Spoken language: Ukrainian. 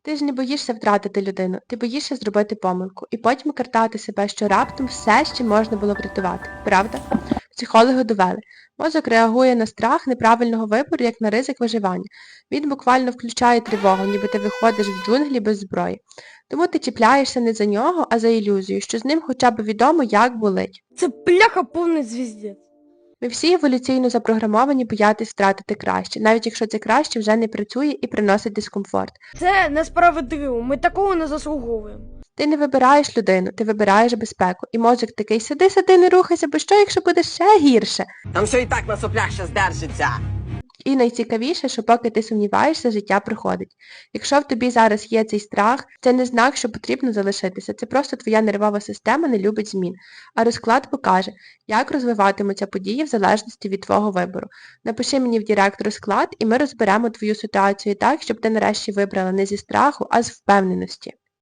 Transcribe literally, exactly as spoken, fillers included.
Ти ж не боїшся втратити людину, ти боїшся зробити помилку і потім картати себе, що раптом все ще можна було врятувати, правда? Психологи довели. Мозок реагує на страх неправильного вибору, як на ризик виживання. Він буквально включає тривогу, ніби ти виходиш в джунглі без зброї. Тому ти чіпляєшся не за нього, а за ілюзію, що з ним хоча б відомо, як болить. Це бляха повний звіздець. Ми всі еволюційно запрограмовані боятись втратити краще, навіть якщо це краще вже не працює і приносить дискомфорт. Це несправедливо, ми такого не заслуговуємо. Ти не вибираєш людину, ти вибираєш безпеку. І мозок такий, сиди, сиди, не рухайся, бо що, якщо буде ще гірше? Там все і так на соплях ще здержиться. І найцікавіше, що поки ти сумніваєшся, життя приходить. Якщо в тобі зараз є цей страх, це не знак, що потрібно залишитися. Це просто твоя нервова система не любить змін. А розклад покаже, як розвиватимуться події в залежності від твого вибору. Напиши мені в Директ розклад, і ми розберемо твою ситуацію так, щоб ти нарешті вибрала не зі страху, а з впевненості.